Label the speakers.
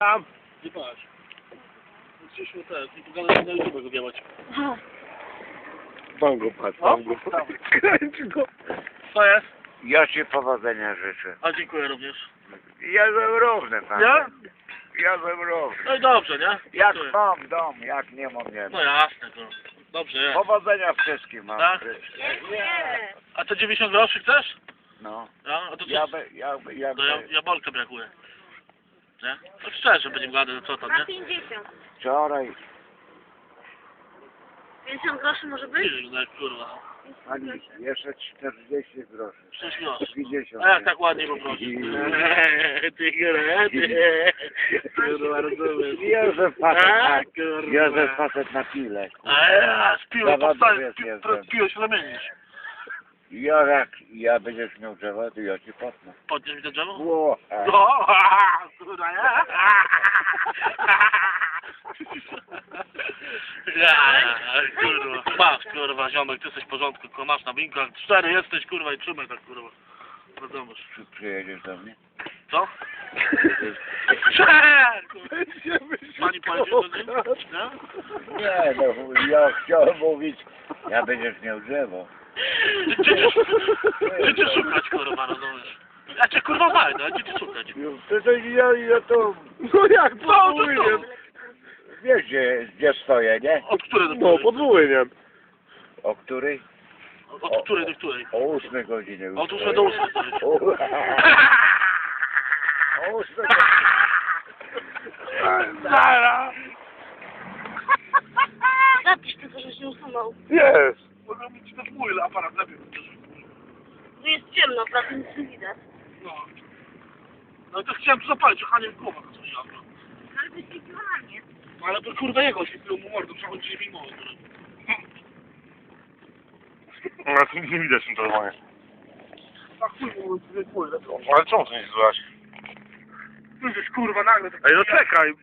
Speaker 1: Tam.
Speaker 2: Nie patrz. Przyszło te, i pogadać na YouTube go wiałać.
Speaker 1: Mam go, patrz, mam go. Kręć go.
Speaker 2: Co jest?
Speaker 3: Ja ci powodzenia życzę.
Speaker 2: A dziękuję również.
Speaker 3: Ja ze równy, pan.
Speaker 2: Ja?
Speaker 3: Ja ze równy.
Speaker 2: No i dobrze, nie?
Speaker 3: Jak
Speaker 2: Dziękuję.
Speaker 3: mam dom, jak nie mam, nie
Speaker 2: No
Speaker 3: mam.
Speaker 2: jasne, to dobrze jest.
Speaker 3: Powodzenia wszystkim mam.
Speaker 2: Tak? A to 90 groszy chcesz?
Speaker 3: No.
Speaker 2: Ja? A to co?
Speaker 3: Ja
Speaker 2: To jabłka brakuje. Nie? No szczerze będziemy gadać, no co tam,
Speaker 4: Na
Speaker 2: nie?
Speaker 4: 50.
Speaker 3: wczoraj,
Speaker 4: 50 groszy może być?
Speaker 2: No jak kurwa.
Speaker 3: ani jeszcze 40 groszy.
Speaker 2: 6 groszy.
Speaker 3: 50.
Speaker 2: A jak tak ładnie poprosisz? Ty gredy. Kurwa, rozumiesz.
Speaker 3: Józef facet na,
Speaker 2: kurwa.
Speaker 3: Józef facet na pile.
Speaker 2: A ja z piłą
Speaker 3: Zawodów
Speaker 2: powstaję,
Speaker 3: jest jestem.
Speaker 2: piłą się zamienić.
Speaker 3: Ja będziesz miał drzewo, to ja ci potnę.
Speaker 2: Podniesz mi to drzewo?
Speaker 3: Ło,
Speaker 2: No, kurwa, nie? Kurwa, masz, kurwa, ziomek, ty jesteś w porządku, kurwa, masz na winkach, 4 jesteś, kurwa, i trzymaj tak, kurwa. Rozumiesz.
Speaker 3: Czy przyjedziesz do mnie?
Speaker 2: Co? Pani pojedzie do niej? Nie?
Speaker 3: Nie, no ja chciałem mówić, ja będziesz miał drzewo.
Speaker 2: Gdzie cię szukać, kurwa, rozumiesz? Ja cię, kurwa, znajdę, a gdzie cię szukać?
Speaker 3: To ja to,
Speaker 1: No jak,
Speaker 2: No, to
Speaker 1: podwójnie.
Speaker 3: wiesz gdzie stoję, nie?
Speaker 2: Od której do
Speaker 1: No,
Speaker 2: której?
Speaker 1: podwójnie.
Speaker 3: O której?
Speaker 2: Od której do której?
Speaker 3: O 8 godzinie już.
Speaker 2: Od 8 do 8.
Speaker 3: O 8 godzinie.
Speaker 2: Zara!
Speaker 4: Zapisz tylko, że się usunął.
Speaker 1: Jest.
Speaker 2: Mogę mieć też mój aparat lepiej.
Speaker 4: Tu jest ciemno, prawie nic nie widać.
Speaker 2: No. No to chciałem tu zapalić, a nie w głowę to coś jadło.
Speaker 4: Ale wyświetliło na mnie.
Speaker 2: No ale to kurwa jego świetliło mu mordę, przechodzi mi mowę.
Speaker 1: No tu nie widać tym telefonie.
Speaker 2: Tak chuj mu mój,
Speaker 1: Ale czemu to nie złaś?
Speaker 2: Ty żeś kurwa nagle tak...
Speaker 1: Ej, no czekaj.